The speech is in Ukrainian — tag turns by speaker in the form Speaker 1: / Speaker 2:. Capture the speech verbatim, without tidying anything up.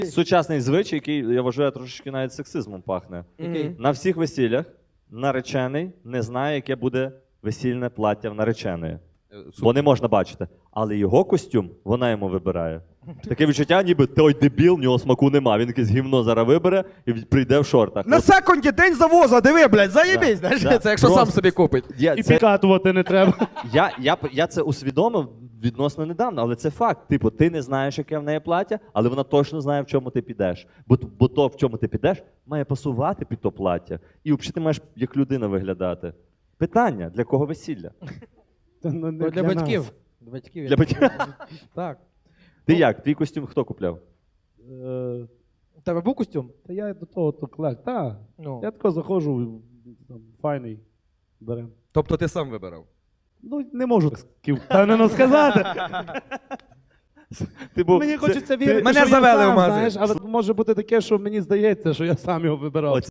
Speaker 1: Сучасний звичай, який, я вважаю, трошечки навіть сексизмом пахне.
Speaker 2: Який?
Speaker 1: На всіх весіллях наречений не знає, яке буде весільне плаття в нареченої. Бо не можна бачити. Але його костюм вона йому вибирає. Таке відчуття, ніби той дебіл, в нього смаку нема. Він якесь гівно зараз вибере і прийде в шортах.
Speaker 2: На
Speaker 1: От,
Speaker 2: секунді день завоза, диви, блядь, заєбись.
Speaker 1: Да,
Speaker 2: знаєш,
Speaker 1: да.
Speaker 2: Це якщо
Speaker 1: Просто-
Speaker 2: сам собі купить.
Speaker 1: я,
Speaker 3: І
Speaker 1: це,
Speaker 3: підкатувати не треба.
Speaker 1: я, я, я це усвідомив відносно недавно, але це факт. Типу, ти не знаєш, яке в неї плаття, але вона точно знає, в чому ти підеш. Бо, бо то, в чому ти підеш, має пасувати під то плаття. І взагалі ти маєш як людина виглядати. Питання, для кого весілля?
Speaker 3: Та, ну, не
Speaker 4: Для, для
Speaker 3: нас.
Speaker 4: батьків. Для батьків.
Speaker 1: Для батьків.
Speaker 4: Так.
Speaker 1: Ти як? Твій костюм хто купляв?
Speaker 3: Е,
Speaker 4: У тебе був костюм?
Speaker 3: Та я до того то клек. Та,
Speaker 4: Ну.
Speaker 3: я тако заходжу, там, файний, берем.
Speaker 2: Тобто ти сам вибирав?
Speaker 3: Ну, не можу так впевнено сказати.
Speaker 1: Ти був,
Speaker 3: Мені
Speaker 1: це-
Speaker 3: хочеться
Speaker 1: ти-
Speaker 3: вірити,
Speaker 2: Мене
Speaker 3: що
Speaker 2: завели
Speaker 3: я
Speaker 2: в
Speaker 3: сам,
Speaker 2: магазин.
Speaker 3: знаєш, але може бути таке, що мені здається, що я сам його вибирав.
Speaker 1: Оце